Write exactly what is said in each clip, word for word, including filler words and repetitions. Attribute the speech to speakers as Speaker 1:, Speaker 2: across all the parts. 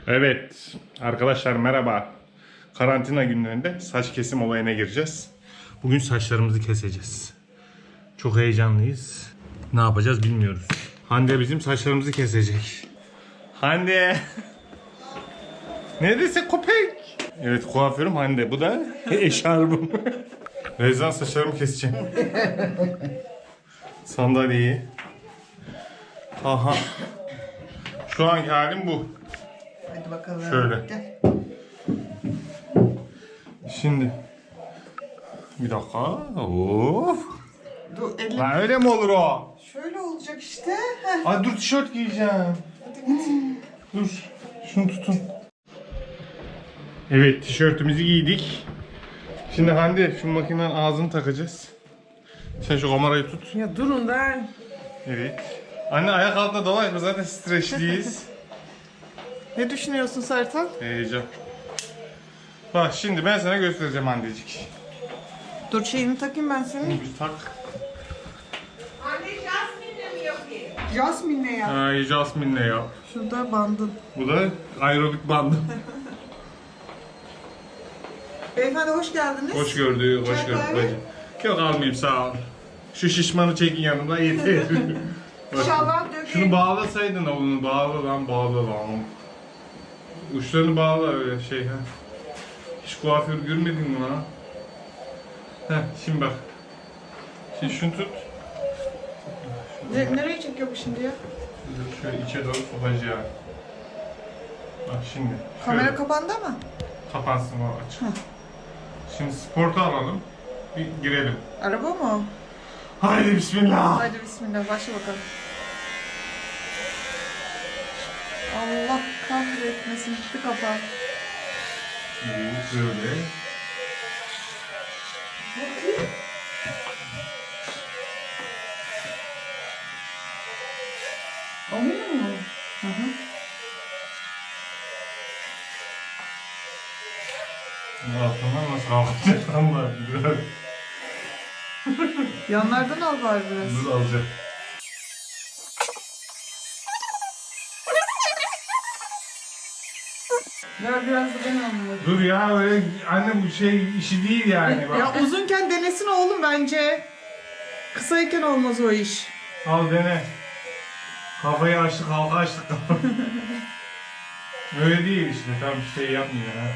Speaker 1: Evet arkadaşlar merhaba. Karantina günlerinde saç kesim olayına gireceğiz. Bugün saçlarımızı keseceğiz. Çok heyecanlıyız. Ne yapacağız bilmiyoruz. Hande bizim saçlarımızı kesecek. Hande. Neredeyse köpek. Evet kuaförüm Hande. Bu da eşarbım. Rezan saçlarımı keseceğim. Sandalyeyi. Aha. Şu anki halim bu.
Speaker 2: Hadi bakalım.
Speaker 1: Şöyle.
Speaker 2: Gel.
Speaker 1: Şimdi bir dakika. Of.
Speaker 2: Dur elim.
Speaker 1: Lan öyle mi olur o?
Speaker 2: Şöyle olacak işte. Heh.
Speaker 1: Ay dur tişört giyeceğim.
Speaker 2: Hadi git.
Speaker 1: Dur. Şunu tutun. Evet tişörtümüzü giydik. Şimdi Hande şu makinenin ağzını takacağız. Sen şu kamerayı tut.
Speaker 2: Ya durun da.
Speaker 1: Evet. Anne ayak altında dolaşma zaten streçliyiz.
Speaker 2: Ne düşünüyorsun Sertan?
Speaker 1: Heyecan. Bak şimdi ben sana göstereceğim Handecik.
Speaker 2: Dur şeyini takayım ben senin.
Speaker 1: Bunu bir tak.
Speaker 3: Anne Jasmine'le mi yapayım?
Speaker 2: Jasmine'le yap.
Speaker 1: Ay Jasmine'le ya.
Speaker 2: Şurada bandın.
Speaker 1: Bu da aerobik bandı.
Speaker 2: Beyefendi hoş geldiniz.
Speaker 1: Hoş gördük, hoş
Speaker 2: Çay
Speaker 1: gördük
Speaker 2: kahve?
Speaker 1: bacım. Yok almayayım sağ ol. Şu şişmanı çekin yanımda yeter. Bak,
Speaker 2: İnşallah dökün.
Speaker 1: şunu bağlasaydın onu bağla lan bağla lan. Uçlarını bağla öyle şey ha. Hiç kuaför görmedin mi lan? Heh şimdi bak. Şimdi şunu tut.
Speaker 2: Ne, nereye çekiyor bu şimdi ya?
Speaker 1: Şöyle içe doğru sokacağım. Bak şimdi.
Speaker 2: Kamera
Speaker 1: Şöyle
Speaker 2: kapandı ama.
Speaker 1: kapansın o açık. Şimdi sportu alalım. Bir girelim.
Speaker 2: Araba mı?
Speaker 1: Haydi bismillah.
Speaker 2: Hadi bismillah başla bakalım. Allah kahretmesin gitti kafa.
Speaker 1: Evet, böyle.
Speaker 2: Olmuyor mu? Hı hı.
Speaker 1: Altından nasıl kalkacak ama biraz
Speaker 2: Yanlardan al bari biraz.
Speaker 1: dur alacağım.
Speaker 2: Ver biraz da ben alayım.
Speaker 1: Dur ya öyle anne bu şey işi değil yani bak.
Speaker 2: Ya uzunken denesin oğlum bence. Kısayken olmaz o iş.
Speaker 1: Al dene. Kafayı açtık halka açtık. Öyle değil işte tam şey yapmıyor ha.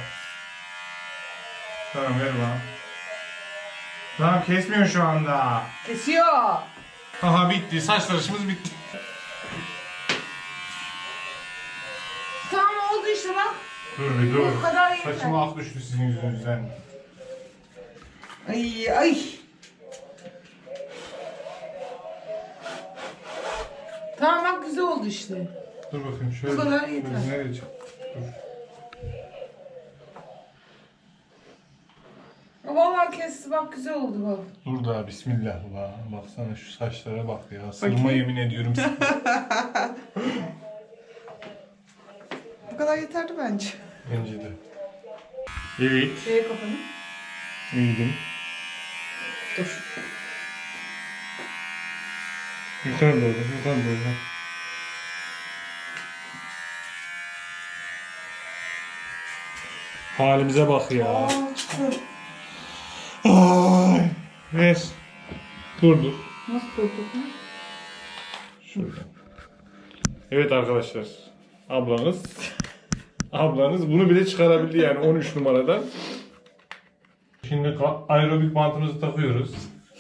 Speaker 1: Tamam ver bana. Tamam kesmiyor şu anda.
Speaker 2: Kesiyor.
Speaker 1: Aha bitti saç tıraşımız bitti.
Speaker 3: Tamam oldu işte bak.
Speaker 1: Dur bir dur.
Speaker 3: Bu kadar yeter.
Speaker 1: Saçıma ak düştü sizin yüzünüzden.
Speaker 2: Ay ay.
Speaker 3: Tamam bak güzel oldu işte.
Speaker 1: Dur bakayım şöyle.
Speaker 3: Bu kadar
Speaker 1: Dur,
Speaker 3: yeter.
Speaker 1: nereye çık? Dur.
Speaker 3: Vallahi kesti bak güzel oldu bak.
Speaker 1: Dur da bismillah ulan. Baksana şu saçlara bak ya. Sırma
Speaker 2: Bakayım.
Speaker 1: yemin ediyorum sana.
Speaker 2: Bu kadar yeterli bence.
Speaker 1: Bence de. Evet.
Speaker 3: Şeye kapanı.
Speaker 1: İyiydim.
Speaker 2: Dur.
Speaker 1: Yukarı doğru, yukarı doğru. Halimize bak ya.
Speaker 2: Aa çıktı.
Speaker 1: Ay. Ver. Dur dur.
Speaker 2: Nasıl durduk mu?
Speaker 1: Şöyle. Evet arkadaşlar. Ablanız. Ablanız bunu bile çıkarabildi yani on üç numaradan. Şimdi ka- aerobik bantımızı takıyoruz.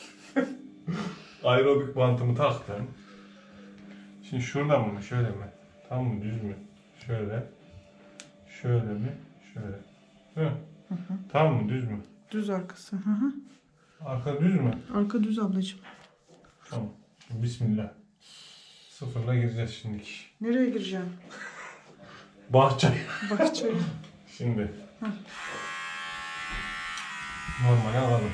Speaker 1: Aerobik bantımı taktım. Şimdi şuradan mı şöyle mi? Tam mı düz mü? Şöyle. Şöyle mi? Şöyle. Hı. Tam mı düz mü?
Speaker 2: Düz arkası. Hı hı.
Speaker 1: Arka düz mü?
Speaker 2: Arka düz ablacığım.
Speaker 1: Tamam. Şimdi bismillah. Sıfırla gireceğiz şimdi.
Speaker 2: Nereye gireceğim?
Speaker 1: Bahçe.
Speaker 2: Bahçeye.
Speaker 1: Şimdi. Normale alalım.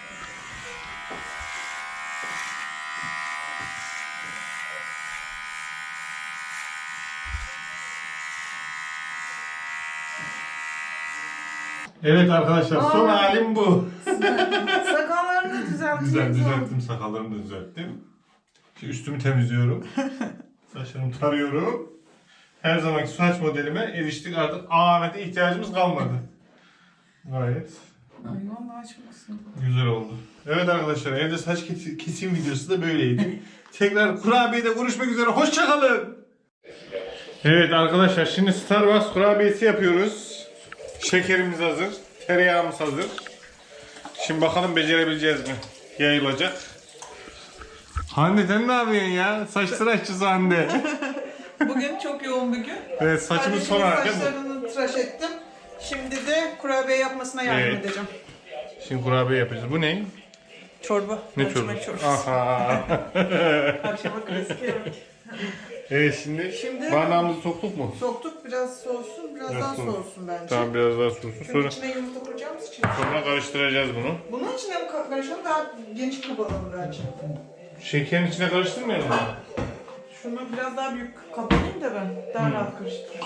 Speaker 1: Evet arkadaşlar son
Speaker 3: Aa.
Speaker 1: halim bu.
Speaker 3: Sakallarını düzelteceğiz.
Speaker 1: Güzel düzelttim sakallarımı da düzelttim. Şimdi üstümü temizliyorum. Saçlarımı tarıyorum. her zamanki saç modelime eriştik. Artık A Ahmet'e ihtiyacımız kalmadı. Gayet
Speaker 3: Ay vallahi açmasın.
Speaker 1: güzel oldu. Evet arkadaşlar, evde saç kes- kesim videosu da böyleydi. Tekrar kurabiyede görüşmek üzere. Hoşçakalın. Evet arkadaşlar, şimdi Starbucks kurabiyesi yapıyoruz. Şekerimiz hazır. Tereyağımız hazır. Şimdi bakalım becerebileceğiz mi? Yayılacak. Hande sen ne yapıyorsun ya? Saç tıraşçısı Hande.
Speaker 2: Bugün çok yoğun bir gün.
Speaker 1: Evet, saçımız son
Speaker 2: Kardeşimin
Speaker 1: olarak değil mi?
Speaker 2: saçlarını tıraş ettim. Şimdi de kurabiye yapmasına yardım
Speaker 1: Evet.
Speaker 2: edeceğim.
Speaker 1: Şimdi kurabiye yapacağız. Bu ne?
Speaker 2: Çorba.
Speaker 1: Ne
Speaker 2: mercimek
Speaker 1: çorbası?
Speaker 2: çorbası.
Speaker 1: Aha.
Speaker 2: Akşama klasik yemek.
Speaker 1: Evet, şimdi,
Speaker 2: Şimdi-
Speaker 1: bardağımızı soktuk mu?
Speaker 2: Soktuk, biraz soğusun, biraz
Speaker 1: Biraz
Speaker 2: daha
Speaker 1: soğuk.
Speaker 2: soğusun bence.
Speaker 1: Tamam, biraz daha soğusun.
Speaker 2: Çünkü
Speaker 1: Sonra,
Speaker 2: içine yumurta koyacağımız için.
Speaker 1: sonra karıştıracağız bunu.
Speaker 2: Bunun içine mi ka- karışalım, daha geniş kaba alalım bence.
Speaker 1: Şekerin içine karıştırmayalım mı?
Speaker 2: Şunu biraz daha büyük kaba alayım da ben. Daha
Speaker 1: Hmm.
Speaker 2: rahat karıştırırız.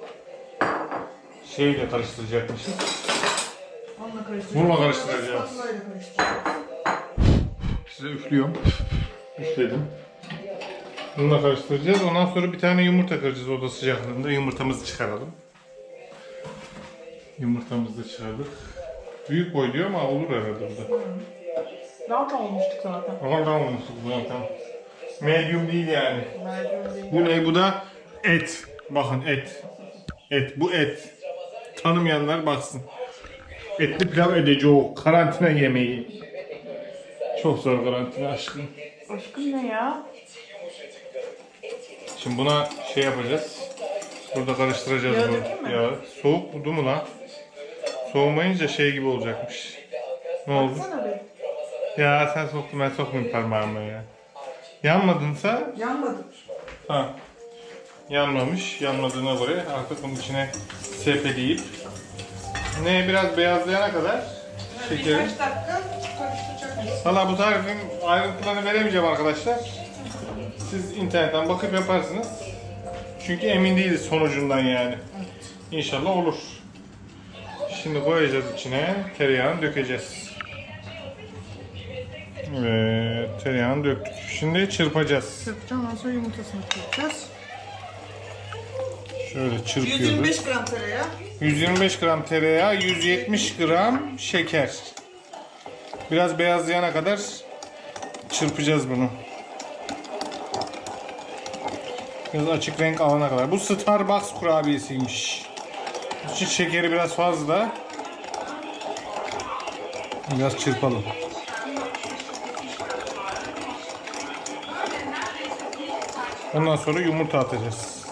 Speaker 1: Şeyle karıştıracakmışız.
Speaker 2: Onunla karıştıracağız.
Speaker 1: Bununla karıştıracağız.
Speaker 2: Spatulayla karıştıracağız.
Speaker 1: Size üflüyorum. Üfledim. Bununla karıştıracağız. Ondan sonra bir tane yumurta kıracağız oda sıcaklığında. Yumurtamızı çıkaralım. Yumurtamızı da çıkardık. Büyük boy diyor ama olur herhalde burada.
Speaker 2: Daha da olmuştuk zaten.
Speaker 1: Ama tamam olmuştuk zaten. Medium değil yani.
Speaker 2: Merdiven değil.
Speaker 1: Bu ne? Bu da et. Bakın et. Et. Bu et. Tanımayanlar baksın. Etli pilav edeceğiz. Karantina yemeği. Çok zor karantina aşkım.
Speaker 2: Aşkım ne ya?
Speaker 1: Şimdi buna şey yapacağız. Burada karıştıracağız
Speaker 2: Yağı
Speaker 1: bunu.
Speaker 2: dökeyim mi?
Speaker 1: Ya soğuk buldu mu lan? Soğumayınca şey gibi olacakmış. Ne oldu?
Speaker 2: Baksana be.
Speaker 1: Ya sen soktun, ben sokmayayım parmağımı ya. Yanmadınsa
Speaker 2: Yanmadı.
Speaker 1: ha. Yanmamış. Yanmadığına göre artık bunun içine sepeleyip ne biraz beyazlayana kadar şekeri.
Speaker 2: Birkaç dakika karıştıracak mıyız?
Speaker 1: Valla bu tarifin ayrıntılarını veremeyeceğim arkadaşlar. Siz internetten bakıp yaparsınız. Çünkü emin değiliz sonucundan yani. İnşallah olur. Şimdi koyacağız içine, tereyağını dökeceğiz. Evet, tereyağını döktük. Şimdi çırpacağız.
Speaker 2: Çırpacağım, ondan sonra yumurtasını kıracağız.
Speaker 1: Şöyle
Speaker 2: yüz
Speaker 1: çırpıyoruz.
Speaker 2: yirmi beş gram tereyağı.
Speaker 1: yüz yirmi beş gram tereyağı, yüz yetmiş gram şeker. Biraz beyazlayana kadar çırpacağız bunu. Biraz açık renk alana kadar. Bu Starbucks kurabiyesiymiş. Bunun için şekeri biraz fazla. Biraz çırpalım. Ondan sonra yumurta atacağız.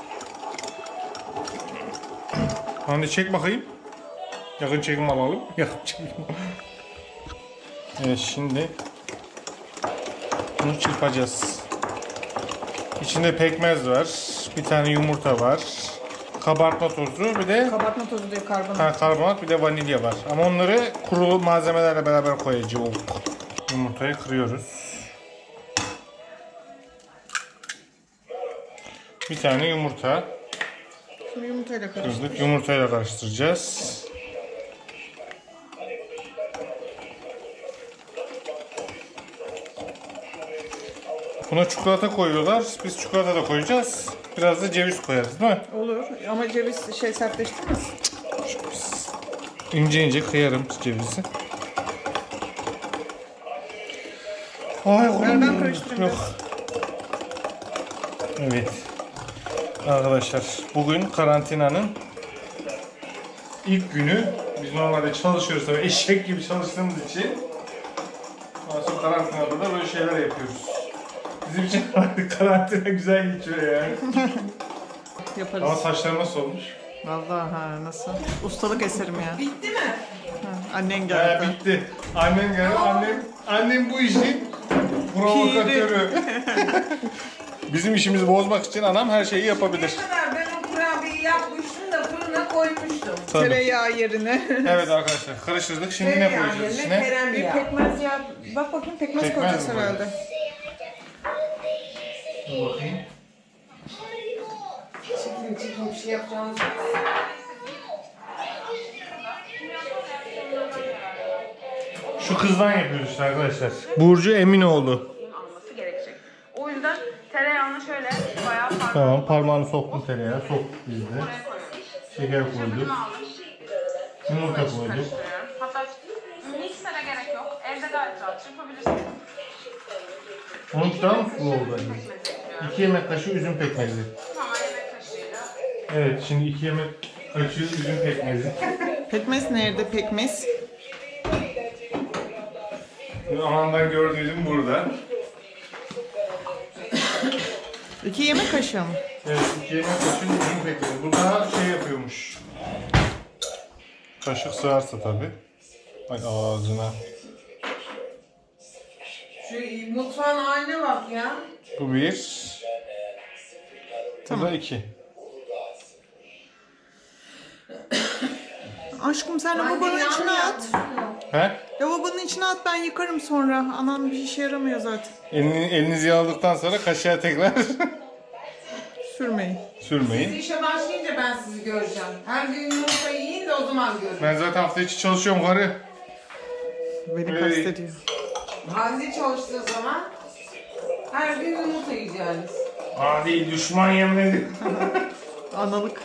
Speaker 1: Hadi çek bakayım. Yakın çekim alalım. Yakın çekim. Evet, şimdi bunu çırpacağız. İçinde pekmez var. Bir tane yumurta var. Kabartma tozu, bir de
Speaker 2: Kabartma tozu diye karbonat.
Speaker 1: ha, karbonat, bir de vanilya var. Ama onları kuru malzemelerle beraber koyacağız. Yumurtayı kırıyoruz. Bir tane yumurta.
Speaker 2: Şimdi yumurtayla
Speaker 1: Kırdık.
Speaker 2: karıştıracağız.
Speaker 1: Yumurtayla karıştıracağız. Buna çikolata koyuyorlar. Biz çikolata da koyacağız. Biraz da ceviz koyarız değil mi?
Speaker 2: Olur ama ceviz şey sertleştirmez.
Speaker 1: İnce ince kıyarım cevizi. Ay,
Speaker 2: Ver ben karıştırayım
Speaker 1: Yok.
Speaker 2: biraz.
Speaker 1: Evet. Arkadaşlar, bugün karantinanın ilk günü. Biz normalde çalışıyoruz tabii, eşek gibi çalıştığımız için. Ondan sonra karantinada da böyle şeyler yapıyoruz. Bizim için karantina güzel geçiyor yani.
Speaker 2: Yaparız.
Speaker 1: Ama saçlar nasıl olmuş?
Speaker 2: Vallahi ha, nasıl? Ustalık eserim ya.
Speaker 3: Bitti mi?
Speaker 2: Ha, annen
Speaker 1: He,
Speaker 2: geldi.
Speaker 1: bitti. Annem geldi. Annem, annem bu işin provokatörü. Bizim işimizi bozmak için anam her şeyi yapabilir.
Speaker 3: Ne kadar ben o kurabiyeyi yapmıştım da fırına koymuştum.
Speaker 1: Tabii.
Speaker 2: Tereyağı yerine.
Speaker 1: Evet arkadaşlar, karıştırdık. Şimdi ne
Speaker 3: Tereyağı
Speaker 1: koyacağız
Speaker 3: yerine
Speaker 1: içine?
Speaker 3: krem
Speaker 2: Bir
Speaker 3: yağı.
Speaker 2: pekmez ya. Bak bakayım pekmez,
Speaker 1: Pekmez
Speaker 2: koyacağız
Speaker 1: mi
Speaker 2: herhalde.
Speaker 1: Dur bakayım.
Speaker 3: Çekin çekin bir şey yapacağımız yok.
Speaker 1: Şu kızdan yapıyoruz işte arkadaşlar. Burcu Eminoğlu.
Speaker 4: alması gerekecek. O yüzden tereyağını şöyle bayağı
Speaker 1: Tamam, parmağını soktun tereyağı, soktuk biz de.
Speaker 3: Buraya koyuyorum.
Speaker 1: Şeker koyduk.
Speaker 3: Aldım.
Speaker 1: Yumurta koyduk.
Speaker 3: Karıştırıyorum. Hatta miksere gerek yok. Evde gayet rahat yapabilirsiniz.
Speaker 1: Onun daha mı sulu oldu?
Speaker 3: Pekmezi ekliyorum.
Speaker 1: iki yemek kaşığı üzüm pekmezi.
Speaker 3: Tamam, yemek kaşığıyla.
Speaker 1: Evet, şimdi iki yemek kaşığı üzüm pekmezi.
Speaker 2: Pekmez nerede pekmez?
Speaker 1: Amandan gördüğüm burada.
Speaker 2: İki yemek kaşığı mı?
Speaker 1: Evet, iki yemek kaşığı üzüm pekmezi. Bu daha şey yapıyormuş. Kaşık sığarsa tabii. Ay ağzına.
Speaker 3: Şu mutfağın haline bak ya.
Speaker 1: Bu bir. Bu da iki.
Speaker 2: Aşkım sen lavabonun içine at.
Speaker 1: He?
Speaker 2: Lavabonun içine at, ben yıkarım sonra. Anam bir işe yaramıyor zaten.
Speaker 1: Elini, elinizi yağladıktan sonra kaşığa tekrar
Speaker 2: Sürmeyin.
Speaker 3: Siz
Speaker 1: sürmeyin.
Speaker 3: işe başlayınca ben sizi göreceğim. Her gün yumurta yiyin de o zaman görün.
Speaker 1: Ben zaten hafta içi çalışıyorum karı.
Speaker 2: Beni
Speaker 1: Hey.
Speaker 2: kastediyor.
Speaker 3: Hande çalıştığı zaman her gün yumurta yiyeceğiniz.
Speaker 1: Adi düşman yemedi.
Speaker 2: Analık.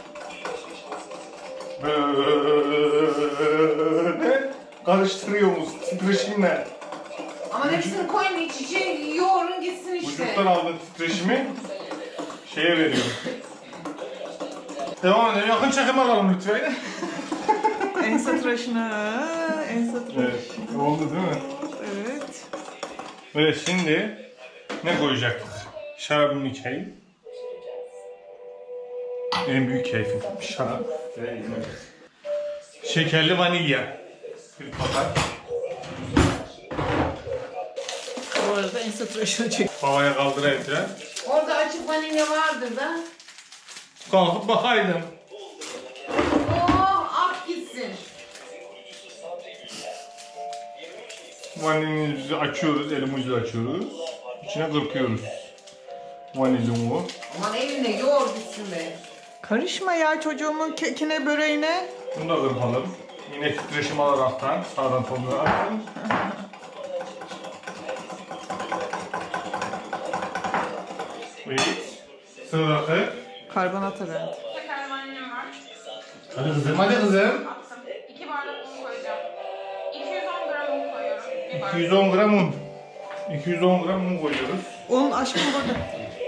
Speaker 1: Böyle karıştırıyoruz titreşimle.
Speaker 3: Ama hepsini koyun iç içe yoğurun gitsin işte.
Speaker 1: Vücuttan aldığın titreşimi şeye veriyorum. Devam edelim. Yakın çekim alalım lütfen.
Speaker 2: Ense tıraşına. Ense tıraşı.
Speaker 1: Evet. Oldu değil mi?
Speaker 2: Evet.
Speaker 1: Evet, şimdi ne koyacaktık? Şarabımı içeyim. En büyük keyfim. Şarap ve yemek. Şekerli vanilya. Bir paket.
Speaker 2: Bu arada ense tıraşına çek.
Speaker 1: Havaya kaldırayım falan.
Speaker 3: Orada açık vanilya vardır da.
Speaker 1: Kalkıp bakaydım.
Speaker 3: Oh, ak gitsin.
Speaker 1: Vanilyamızı açıyoruz, elimizle açıyoruz. İçine kırpıyoruz. Vanilyumu.
Speaker 3: Aman eline yoğur gitsin be.
Speaker 2: Karışma ya çocuğumun kekine böreğine.
Speaker 1: Bunu da kırpalım. Yine titreşim alaraktan sağdan soluna atın. Evet. Sıradaki.
Speaker 2: Karbonat herhalde.
Speaker 3: Şekerli vanilyam var.
Speaker 1: Hadi kızım, hadi kızım.
Speaker 3: Attım. iki bardak un koyacağım. iki yüz on gram un koyuyorum. Bir bardak.
Speaker 1: iki yüz on gram un. iki yüz on gram un koyuyoruz.
Speaker 2: Onun aşkım burada.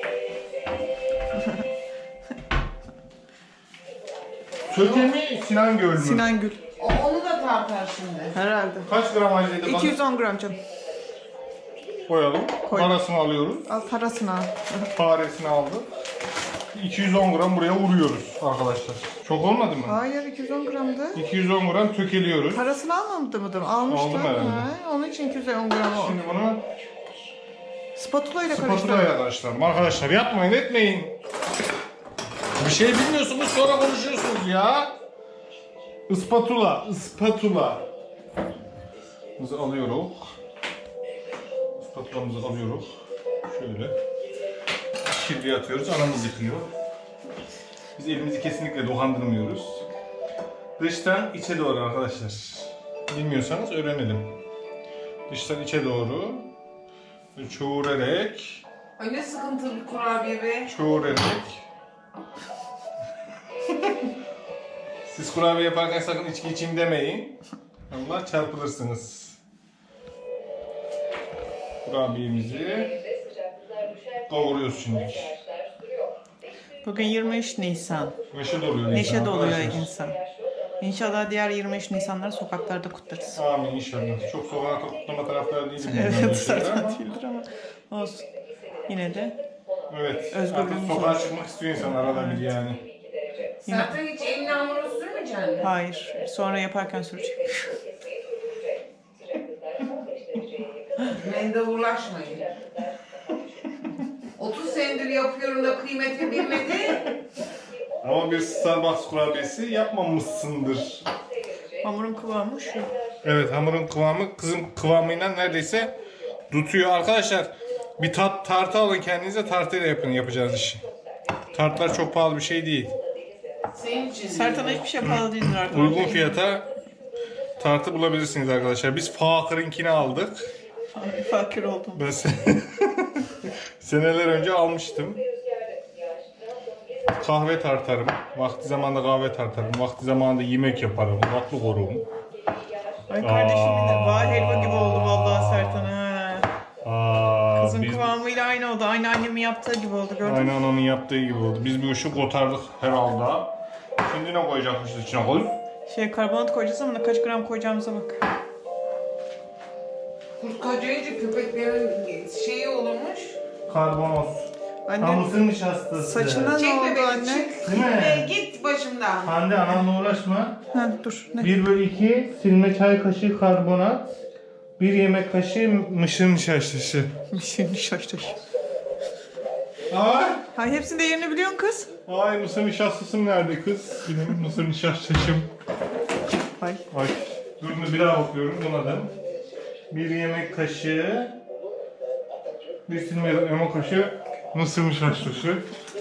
Speaker 1: Söke mi, Sinan Göl mü?
Speaker 2: Sinan Gül.
Speaker 3: O, onu da tartar şimdi.
Speaker 2: Herhalde.
Speaker 1: Kaç gram acıydı bana?
Speaker 2: iki yüz on gram canım.
Speaker 1: Koyalım.
Speaker 2: Koy.
Speaker 1: Parasını alıyoruz.
Speaker 2: Al parasını al.
Speaker 1: Faresini aldık. iki yüz on gram buraya vuruyoruz arkadaşlar. Çok olmadı mı?
Speaker 2: Hayır iki yüz on gramdı.
Speaker 1: iki yüz on gram tökeliyoruz.
Speaker 2: Parasını almadı mıdır? Almıştı.
Speaker 1: Aldım herhalde.
Speaker 2: Ha, onun için iki yüz on gram o.
Speaker 1: Şimdi bunu
Speaker 2: Spatula ile
Speaker 1: spatula
Speaker 2: karıştır.
Speaker 1: ile karıştıralım. Arkadaşlar yapmayın etmeyin. Bir şey bilmiyorsunuz sonra konuşuyorsunuz ya. Ispatula, ispatula. Biz alıyoruz. Ispatulamızı alıyoruz. Şöyle. Kirliye atıyoruz. Anamız yıkıyor. Biz elimizi kesinlikle dokandırmıyoruz. Dıştan içe doğru arkadaşlar. Bilmiyorsanız öğrenelim. Dıştan içe doğru. Çoğurarak.
Speaker 3: Ay ne sıkıntılı bir kurabiye be.
Speaker 1: Çoğurarak. Siz kurabiye yaparken sakın içki içeyim demeyin. Allah çarpılırsınız. Kurabiyemizi kavuruyoruz şimdi.
Speaker 2: Bugün yirmi üç Nisan.
Speaker 1: Neşe doluyor insan.
Speaker 2: Neşe doluyor
Speaker 1: arkadaşlar.
Speaker 2: insan. İnşallah diğer yirmi üç Nisanları sokaklarda kutlarız.
Speaker 1: Amin inşallah. Çok sokağa kutlama taraftarı değilim. bundan
Speaker 2: Evet
Speaker 1: dolayı
Speaker 2: zaten
Speaker 1: ama.
Speaker 2: değildir ama olsun. Yine de
Speaker 1: Evet.
Speaker 2: Özgürlüğümüz
Speaker 1: Artık sokağa
Speaker 2: olur.
Speaker 1: çıkmak istiyor insan arada bir yani.
Speaker 3: Zaten hiç eline hamuru sürmeyeceksin.
Speaker 2: hayır. Sonra yaparken süreceğim.
Speaker 3: Mendavurlaşmayın. otuz senedir yapıyorum da kıymeti bilmedi.
Speaker 1: Ama bir Starbucks kurabiyesi yapmamışsındır.
Speaker 2: Hamurun kıvamı şu.
Speaker 1: Evet, hamurun kıvamı kızım kıvamıyla neredeyse tutuyor arkadaşlar. Bir tat tartı alın kendinize, tartıyla yapın yapacağınız işi. Tartlar çok pahalı bir şey değil.
Speaker 3: Senin için.
Speaker 2: Sertan'a hiçbir şey pahalı değildir arkadaşlar.
Speaker 1: Uygun fiyata tartı bulabilirsiniz arkadaşlar. Biz Fakir'inkini aldık.
Speaker 2: Fakir oldum.
Speaker 1: Ben se- seneler önce almıştım. kahve tartarım. Vakti zamanında kahve tartarım. Vakti zamanında yemek yaparım. Vakti korurum.
Speaker 2: Ay kardeşimin de
Speaker 1: Aa.
Speaker 2: var helva gibi oldu vallahi Sertan ha.
Speaker 1: Aa,
Speaker 2: Kızın
Speaker 1: biz,
Speaker 2: kıvamıyla aynı oldu. Aynı annemin yaptığı gibi oldu gördün mü?
Speaker 1: aynen onun yaptığı gibi oldu. Biz bir ışık kotardık herhalde. Şimdi ne koyacakmışız içine koy?
Speaker 2: Şey karbonat koyacağız ama kaç gram koyacağımıza bak.
Speaker 4: Kurt kocayınca köpeklerin şeyi olurmuş.
Speaker 1: Karbonat.
Speaker 2: Anne
Speaker 1: Mısır nişastası.
Speaker 2: saçına ne
Speaker 4: Çek
Speaker 2: oldu
Speaker 4: bebeği
Speaker 2: anne?
Speaker 4: çık.
Speaker 1: Değil mi?
Speaker 4: Gitme, git başımdan.
Speaker 1: Hande ananla uğraşma.
Speaker 2: Ha dur ne?
Speaker 1: bir bölü iki silme çay kaşığı karbonat. bir yemek kaşığı mısır nişastası.
Speaker 2: Şimdi şaştır.
Speaker 1: Ay.
Speaker 2: Ha hepsinin de yerini biliyorsun kız.
Speaker 1: Ay mısır nişastasım nerede kız? Benim mısır nişastasım.
Speaker 2: Ay.
Speaker 1: Ay. Dur bir daha bakıyorum buna da. bir yemek kaşığı. Bir silme yemek kaşığı mısır nişastası.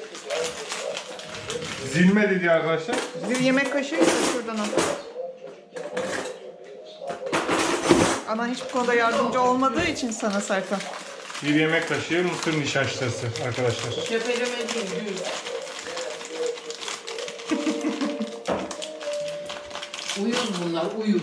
Speaker 1: Zilme dedi arkadaşlar.
Speaker 2: Bir yemek kaşığı da şuradan al. Ana hiç bu konuda yardımcı olmadığı için sana Serkan.
Speaker 1: Bir yemek kaşığı mısır nişastası arkadaşlar.
Speaker 4: Tepeleme değil, düz. Uyuz bunlar, uyuz.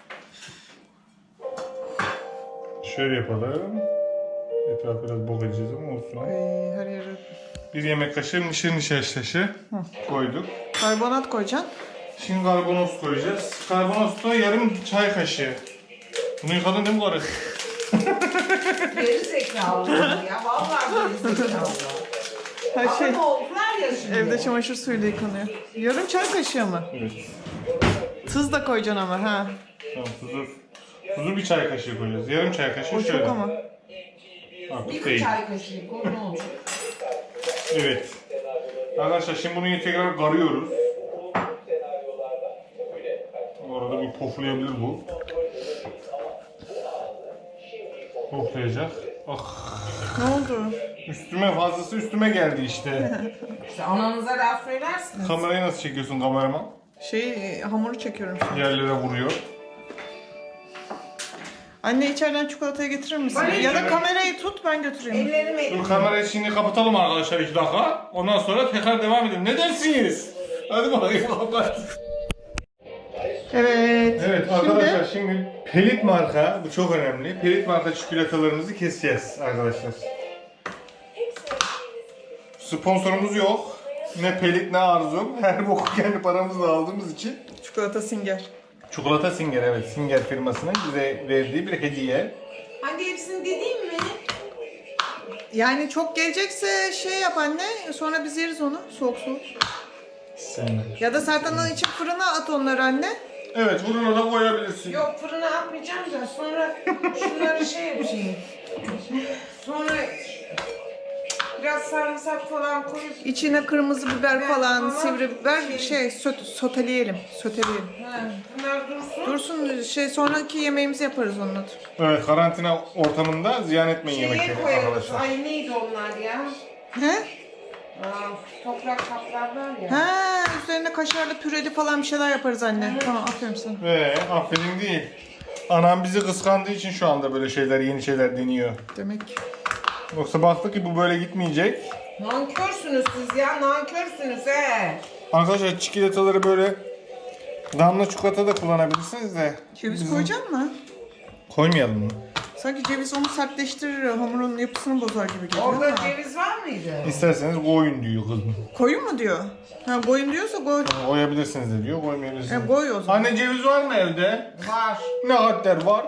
Speaker 1: Şöyle yapalım. Etrafı biraz bok edeceğiz ama olsun.
Speaker 2: Ay, her yere
Speaker 1: Bir yemek kaşığı mısır nişastası koyduk.
Speaker 2: karbonat koyacaksın.
Speaker 1: Şimdi karbonat koyacağız. Karbonat da yarım çay kaşığı. Bunu yıkadın değil mi karı?
Speaker 4: Geri zekalı bunlar ya, vallahi geri zekalı.
Speaker 2: Her şey
Speaker 4: Ama oldular ya şimdi.
Speaker 2: evde çamaşır suyuyla yıkanıyor. Yarım çay kaşığı mı?
Speaker 1: Evet.
Speaker 2: Tuz da koyacaksın ama ha.
Speaker 1: Tamam tuzu. Tuzu bir çay kaşığı koyacağız. Yarım çay kaşığı
Speaker 2: O
Speaker 1: şöyle.
Speaker 2: çok ama.
Speaker 1: Artık
Speaker 4: Bir
Speaker 1: değil.
Speaker 4: çay kaşığı koy, ne olacak?
Speaker 1: Evet. Arkadaşlar şimdi bunu tekrar karıyoruz. Bu arada bir poflayabilir bu. Poflayacak. Ah.
Speaker 2: Ne oldu?
Speaker 1: Üstüme fazlası üstüme geldi işte.
Speaker 4: İşte ananıza laf söylersiniz.
Speaker 1: Kamerayı nasıl çekiyorsun kameraman?
Speaker 2: Şey e, hamuru çekiyorum şimdi.
Speaker 1: Yerlere vuruyor.
Speaker 2: Anne içeriden çikolatayı getirir misin?
Speaker 4: Bana
Speaker 2: Ya da
Speaker 1: içeri-
Speaker 2: kamerayı tut ben götüreyim.
Speaker 4: Ellerimi
Speaker 1: Dur kamerayı şimdi kapatalım arkadaşlar iki dakika. Ondan sonra tekrar devam edelim. Ne dersiniz? Hadi bakayım kapat.
Speaker 2: Evet.
Speaker 1: Evet arkadaşlar şimdi Pelit marka, bu çok önemli. Pelit marka çikolatalarımızı keseceğiz arkadaşlar. Sponsorumuz yok. Ne Pelit ne Arzum. Her boku kendi paramızla aldığımız için.
Speaker 2: Çikolata Singer.
Speaker 1: Çikolata Singer, evet, Singer firmasının bize verdiği bir hediye.
Speaker 4: hadi hepsini dediğim mi?
Speaker 2: Yani çok gelecekse şey yap anne. Sonra biz yeriz onu soğuk soğuk.
Speaker 1: Sen.
Speaker 2: Ya da Sertan'ın için fırına at onları anne.
Speaker 1: Evet, fırına da koyabilirsin.
Speaker 4: Yok fırına atmayacağım da sonra şunları şey yapayım. Sonra biraz sarımsak falan koyup
Speaker 2: İçine kırmızı biber
Speaker 4: Biber
Speaker 2: falan,
Speaker 4: falan,
Speaker 2: sivri biber
Speaker 4: şey-
Speaker 2: şey söt, soteleyelim. Soteleyelim.
Speaker 4: ha, bunlar dursun.
Speaker 2: Dursun şey sonraki yemeğimizi yaparız onunla.
Speaker 1: Evet, karantina ortamında ziyan etmeyin
Speaker 4: Şeye
Speaker 1: yemekleri
Speaker 4: koyarız.
Speaker 1: arkadaşlar.
Speaker 4: Ay neydi onlar ya?
Speaker 2: He?
Speaker 4: Aa, toprak kaplar var ya.
Speaker 2: Ha, üzerine kaşarlı püreli falan bir şeyler yaparız anne. Tamam aferin sana.
Speaker 1: Ve aferin değil. Anam bizi kıskandığı için şu anda böyle şeyler, yeni şeyler deniyor.
Speaker 2: Demek.
Speaker 1: Yoksa baktık ki bu böyle gitmeyecek.
Speaker 4: Nankörsünüz siz ya, nankörsünüz he.
Speaker 1: Arkadaşlar çikolataları böyle damla çikolata da kullanabilirsiniz de.
Speaker 2: Ceviz
Speaker 1: bizim-
Speaker 2: koyacak mı?
Speaker 1: Koymayalım mı?
Speaker 2: Sanki ceviz onu sertleştirir, hamurun yapısını bozar gibi geliyor.
Speaker 4: Orada
Speaker 2: ama.
Speaker 4: ceviz var mıydı?
Speaker 1: İsterseniz koyun diyor kızım.
Speaker 2: Koyun mu diyor? Ha koyun diyorsa koy.
Speaker 1: Koyabilirsiniz de diyor, koymayabilirsiniz.
Speaker 2: E, koy o zaman.
Speaker 1: Anne ceviz var mı evde?
Speaker 4: Var.
Speaker 1: Ne kadar var?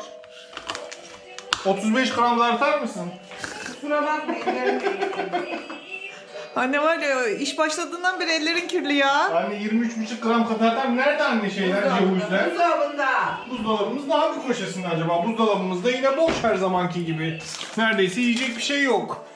Speaker 1: otuz beş gram da artar mısın?
Speaker 4: Kusura bakma ellerim değil.
Speaker 2: Anne var ya iş başladığından beri ellerin kirli ya.
Speaker 1: Anne yirmi üç buçuk gram katarlar. Nerede anne şeyler, cevizler?
Speaker 4: Buzdolabında.
Speaker 1: Buzdolabımız ne hangi köşesinde acaba? Buzdolabımızda yine boş her zamanki gibi. Neredeyse yiyecek bir şey yok.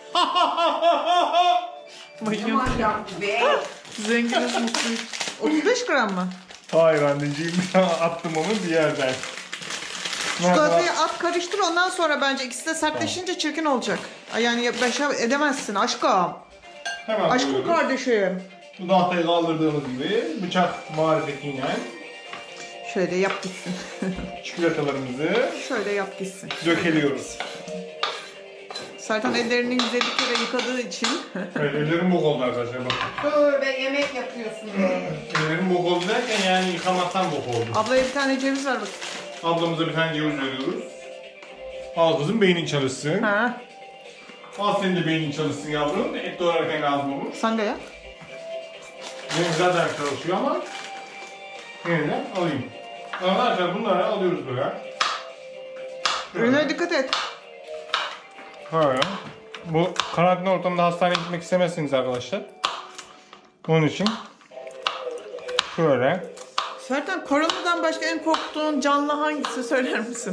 Speaker 2: Bayılıyorum.
Speaker 4: Aman yaptı be.
Speaker 2: Zenginiz mutluyuz. otuz beş gram mı?
Speaker 1: Hayır anneciğim, attım onu bir yerden.
Speaker 2: Çikolatayı at karıştır ondan sonra bence ikisi de sertleşince çirkin olacak. Ay, Yani başa edemezsin aşkım.
Speaker 1: Hemen
Speaker 2: Aşkım
Speaker 1: koyuyoruz.
Speaker 2: kardeşim.
Speaker 1: Bu tahtayı kaldırdığımız gibi bıçak marifetiyle
Speaker 2: Şöyle yap gitsin.
Speaker 1: çikolatalarımızı
Speaker 2: Şöyle yap gitsin.
Speaker 1: dökeliyoruz.
Speaker 2: Sertan ellerini yüz elli kere yıkadığı için.
Speaker 1: Evet, ellerim bok oldu arkadaşlar bakın.
Speaker 4: Böyle yemek yapıyorsun be.
Speaker 1: Ellerim bok oldu derken yani yıkamaktan bok oldu.
Speaker 2: Ablaya bir tane ceviz ver bak.
Speaker 1: Ablamıza bir tane ceviz veriyoruz. Al kızım beynin çalışsın.
Speaker 2: Ha,
Speaker 1: Al senin de beynin çalışsın yavrum. Et doğrarken lazım olur.
Speaker 2: sen de yap.
Speaker 1: Benim zaten çalışıyor ama yine de alayım. Arkadaşlar bunları alıyoruz böyle.
Speaker 2: Ürüne dikkat et.
Speaker 1: Böyle. Bu karantina ortamında hastaneye gitmek istemezsiniz arkadaşlar. Onun için şöyle.
Speaker 2: Sertan, koronadan başka en korktuğun canlı hangisi söyler misin?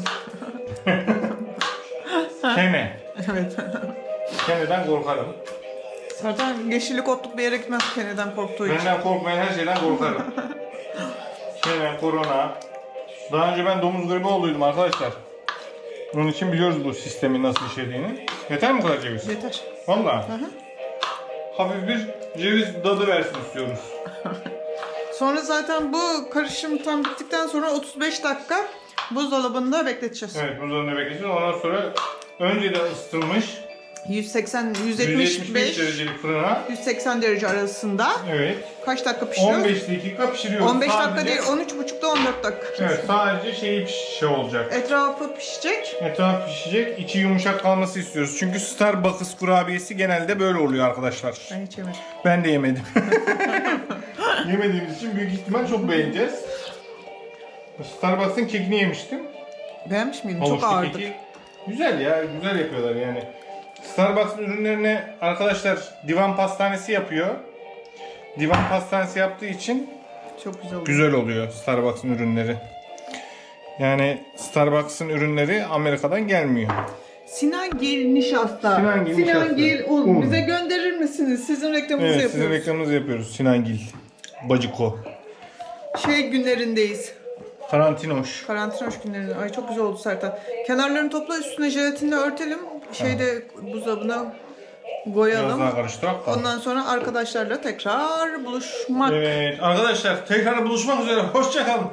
Speaker 1: Kene.
Speaker 2: Evet.
Speaker 1: Keneden korkarım.
Speaker 2: Sertan yeşillik otluk bir yere gitmez keneden korktuğu için.
Speaker 1: Benden korkmayan her şeyden korkarım. Kene, korona. Daha önce ben domuz gribi olduydum arkadaşlar. Onun için biliyoruz bu sistemin nasıl işlediğini. Yeter mi bu kadar ceviz?
Speaker 2: Yeter.
Speaker 1: Valla. Hafif bir ceviz tadı versin istiyoruz.
Speaker 2: Sonra zaten bu karışım tam bittikten sonra otuz beş dakika buzdolabında bekleteceğiz.
Speaker 1: Evet, buzdolabında bekleyeceğiz. Ondan sonra önceden ısıtılmış
Speaker 2: yüz seksen, yüz
Speaker 1: yüz
Speaker 2: yetmiş
Speaker 1: yetmiş
Speaker 2: beş,
Speaker 1: beş derecelik fırına.
Speaker 2: yüz seksen derece arasında.
Speaker 1: Evet.
Speaker 2: Kaç dakika pişiriyor?
Speaker 1: on beş dakika pişiriyoruz.
Speaker 2: on beş dakika
Speaker 1: Sadece-
Speaker 2: değil, on üç buçukta on dört dakika.
Speaker 1: Evet, sadece şeyi piş- şey olacak.
Speaker 2: Etrafı pişecek.
Speaker 1: Etraf pişecek, içi yumuşak kalması istiyoruz. Çünkü Starbucks kurabiyesi genelde böyle oluyor arkadaşlar.
Speaker 2: Ben hiç yemedim.
Speaker 1: Ben de yemedim. Yemediğimiz için büyük ihtimal çok beğeneceğiz. Starbucks'ın kekini yemiştim.
Speaker 2: Beğenmiş miydin? Çok
Speaker 1: Havuçlu
Speaker 2: ağırdı.
Speaker 1: keki. Güzel ya, güzel yapıyorlar yani. Starbucks'ın ürünlerini arkadaşlar Divan Pastanesi yapıyor. Divan Pastanesi yaptığı için
Speaker 2: Çok güzel oldu.
Speaker 1: güzel oluyor Starbucks'ın ürünleri. Yani Starbucks'ın ürünleri Amerika'dan gelmiyor.
Speaker 2: Sinan Gil nişasta.
Speaker 1: Sinan Gil nişasta.
Speaker 2: Gil un.
Speaker 1: Un.
Speaker 2: Bize gönderir misiniz? Sizin reklamınızı
Speaker 1: Evet,
Speaker 2: yapıyoruz.
Speaker 1: sizin reklamınızı yapıyoruz. Sinangil. Baciko.
Speaker 2: Şey günlerindeyiz.
Speaker 1: Karantinoş.
Speaker 2: Karantina hoş günlerinde. Ay çok güzel oldu Sertan. Kenarlarını topla, üstüne jelatinle örtelim. Şeyde buzdolabına
Speaker 1: Biraz
Speaker 2: koyalım.
Speaker 1: daha karıştırak da.
Speaker 2: Ondan sonra arkadaşlarla tekrar buluşmak.
Speaker 1: Evet arkadaşlar tekrar buluşmak üzere. Hoşçakalın.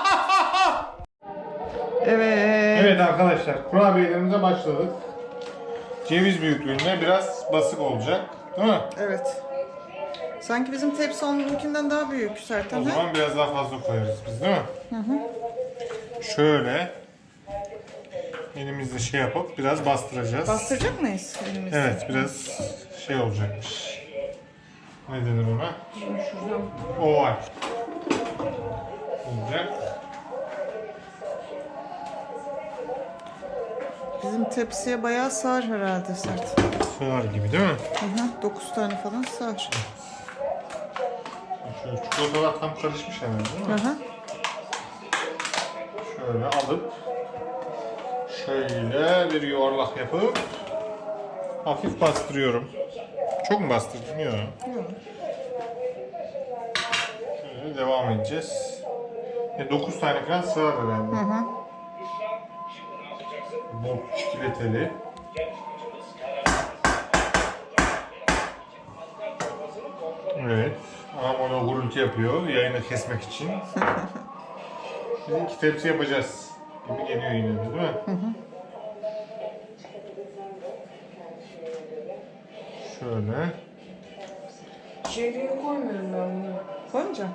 Speaker 2: Evet.
Speaker 1: Evet arkadaşlar kurabiyelerimize başladık. Ceviz büyüklüğünde biraz basık olacak. Değil mi?
Speaker 2: Evet. Sanki bizim tepsi onunkinden daha büyük Sertan.
Speaker 1: O
Speaker 2: ha?
Speaker 1: zaman biraz daha fazla koyarız biz değil mi? Hı hı. Şöyle elimizle şey yapıp biraz bastıracağız.
Speaker 2: Bastıracak mıyız elimizle?
Speaker 1: Evet biraz şey olacakmış. Ne denir ona? Oval. Olacak.
Speaker 2: Bizim tepsiye bayağı sığar herhalde Sert.
Speaker 1: Sığar gibi değil mi?
Speaker 2: Hı hı. dokuz tane falan sığar.
Speaker 1: Şöyle çikolatalar tam karışmış hemen değil mi?
Speaker 2: Hı hı.
Speaker 1: Şöyle alıp şöyle bir yuvarlak yapıp hafif bastırıyorum. Çok mu bastırdım? Yok.
Speaker 2: Yok.
Speaker 1: Şöyle devam edeceğiz. E, dokuz tane falan sığar herhalde.
Speaker 2: Hı hı.
Speaker 1: Bol çikolateli. Evet. Ama onu gurultu yapıyor yayını kesmek için. Biz iki tepsi yapacağız. Gibi geliyor yine de değil mi? Hı hı. Şöyle.
Speaker 4: İçeriye koymuyorum ben bunu.
Speaker 2: Koymayacağım.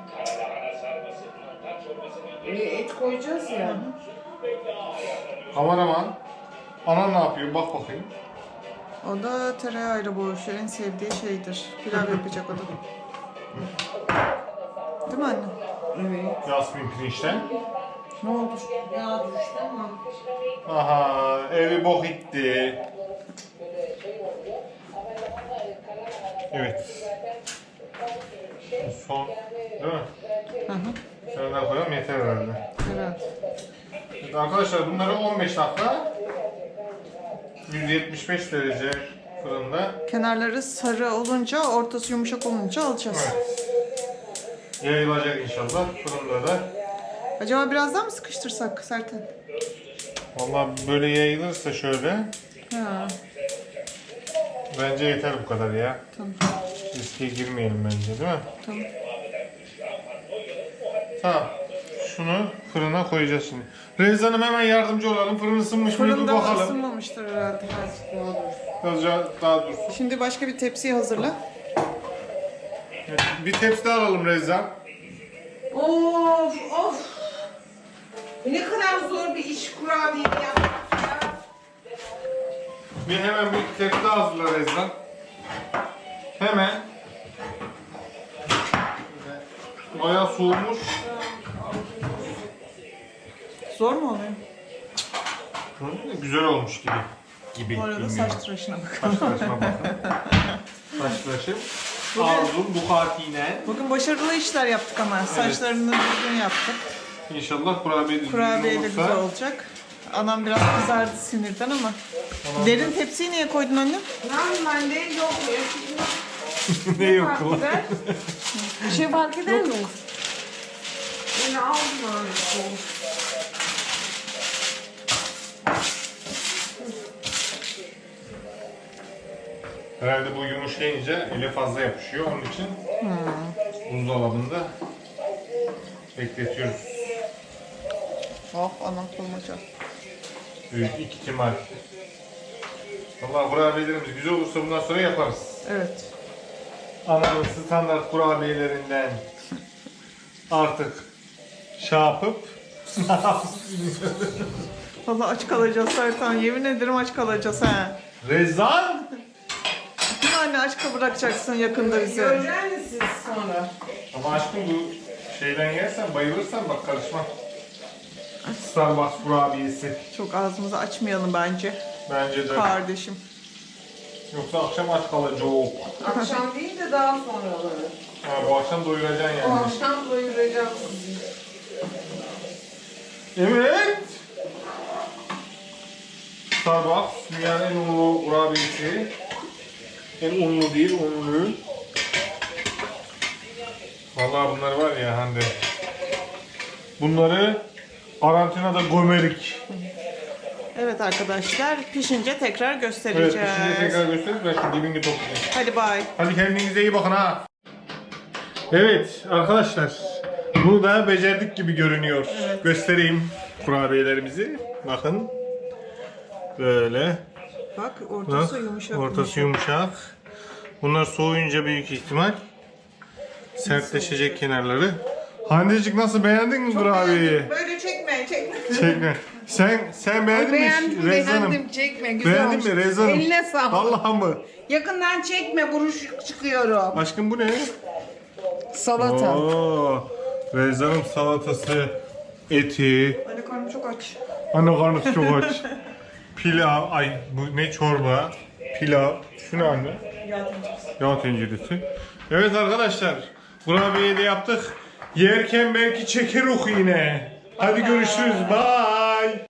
Speaker 4: E, et koyacağız ya.
Speaker 1: Kameraman. Ana ne yapıyor? Bak bakayım.
Speaker 2: O da tereyağıyla boğuşuyor. En sevdiği şeydir. Pilav yapacak o da. Değil mi anne?
Speaker 4: Evet.
Speaker 1: Yasmin pirinçten.
Speaker 2: Ne oldu?
Speaker 4: Ya düştü ama.
Speaker 1: Aha evi bok etti. Evet. Son. Değil mi?
Speaker 2: Hı hı.
Speaker 1: Şöyle koyalım yeter herhalde.
Speaker 2: Evet.
Speaker 1: Evet arkadaşlar bunları on beş dakika yüz yetmiş beş derece fırında.
Speaker 2: Kenarları sarı olunca, ortası yumuşak olunca alacağız.
Speaker 1: Evet. Yayılacak inşallah fırında da.
Speaker 2: Acaba biraz daha mı sıkıştırsak Sertan?
Speaker 1: Vallahi böyle yayılırsa şöyle
Speaker 2: Ha,
Speaker 1: bence yeter bu kadar ya.
Speaker 2: tamam.
Speaker 1: Riske girmeyelim bence değil mi?
Speaker 2: Tamam.
Speaker 1: Tamam. şunu fırına koyacağız şimdi. Rezzan Hanım hemen yardımcı olalım. Fırın ısınmış mıydı
Speaker 2: Fırında
Speaker 1: bakalım.
Speaker 2: ısınmamıştır herhalde.
Speaker 1: Birazcık daha dursun.
Speaker 2: Şimdi başka bir tepsiyi hazırla.
Speaker 1: Evet, bir tepsi daha alalım Rezzan.
Speaker 4: Of of. Ne kadar zor bir iş kurabiye yapmak ya.
Speaker 1: Bir hemen bir tepsi daha hazırla Rezzan. Hemen. Bayağı soğumuş.
Speaker 2: Zor mu oluyor?
Speaker 1: Hı, güzel olmuş gibi. Gibi.
Speaker 2: Bu arada
Speaker 1: bilmiyorum.
Speaker 2: saç tıraşına bakalım.
Speaker 1: Saç tıraşına bakın. Saç tıraşı. Arzum Bukati'yle.
Speaker 2: Bugün başarılı işler yaptık ama. Saçlarını düzgün yaptık.
Speaker 1: İnşallah kurabiye de
Speaker 2: Kurabiye de
Speaker 1: olursa.
Speaker 2: güzel olacak. Anam biraz kızardı sinirden ama. Derin tepsiyi niye koydun annem?
Speaker 4: Normalde yok.
Speaker 1: Ne yok
Speaker 4: Fark
Speaker 1: lan?
Speaker 4: eder.
Speaker 2: Bir şey fark eder mi?
Speaker 4: Yine aldım öyle soğuk.
Speaker 1: Herhalde bu yumuşayınca ele fazla yapışıyor. Onun için buzdolabında bekletiyoruz.
Speaker 2: Oh anam kolmaca.
Speaker 1: Büyük ihtimal. Vallahi kurabiyelerimiz güzel olursa bundan sonra yaparız.
Speaker 2: Evet.
Speaker 1: Anamın standart kurabiyelerinden artık şey yapıp
Speaker 2: Vallahi aç kalacağız Sertan. Yemin ederim aç kalacağız ha.
Speaker 1: Rezzan!
Speaker 2: Değil mi anne aç bırakacaksın yakında bizi.
Speaker 4: Göreceksiniz siz sonra.
Speaker 1: Ama aşkım bu şeyden yersen bayılırsan bak karışma. Starbucks kurabiyesi.
Speaker 2: Çok ağzımızı açmayalım bence.
Speaker 1: Bence de.
Speaker 2: Kardeşim.
Speaker 1: Yoksa akşam aç kalacak.
Speaker 4: Akşam değil de daha sonraları.
Speaker 1: Ha, bu akşam doyuracaksın
Speaker 4: O
Speaker 1: yani.
Speaker 4: akşam doyuracağım sizi.
Speaker 1: Evet. Starbucks dünyanın en unlu kurabiyesi. En unlu değil, unlu. Vallahi bunlar var ya Hande. Bunları karantinada gömerik.
Speaker 2: Evet arkadaşlar pişince tekrar
Speaker 1: Evet,
Speaker 2: göstereceğiz.
Speaker 1: pişince tekrar gösteririz. Ben şu dibini toplayayım.
Speaker 2: Hadi bay.
Speaker 1: Hadi kendinize iyi bakın ha. Evet arkadaşlar. Bunu da becerdik gibi görünüyor.
Speaker 2: Evet.
Speaker 1: Göstereyim kurabiyelerimizi. Bakın. Böyle.
Speaker 2: Bak ortası
Speaker 1: Bak,
Speaker 2: yumuşak.
Speaker 1: ortası yumuşak. Bunlar soğuyunca büyük ihtimal sertleşecek kenarları. Handecik nasıl beğendin mi kurabiyeyi?
Speaker 4: Böyle çekme, çekme.
Speaker 1: Çekme. Sen sen beğendin
Speaker 4: Beğendim,
Speaker 1: mi Rezzan'ım?
Speaker 4: beğendim. Çekme, güzel
Speaker 1: Beğendin
Speaker 4: olmuş.
Speaker 1: mi Rezzan'ım?
Speaker 4: Eline sağlık.
Speaker 1: Allah'ım mı?
Speaker 4: Yakından çekme, buruşuk çıkıyorum.
Speaker 1: Aşkım bu ne?
Speaker 4: Salata.
Speaker 1: Oo, Rezzan'ım salatası, eti,
Speaker 2: Anne karnım çok aç.
Speaker 1: anne karnısı çok aç. Pilav, ay bu ne çorba, pilav, şu ne anne?
Speaker 2: Yağ tenceresi.
Speaker 1: Yağ tenceresi. Evet arkadaşlar, kurabiyeyi de yaptık. Yerken belki çeker oku yine. Hadi görüşürüz, bye.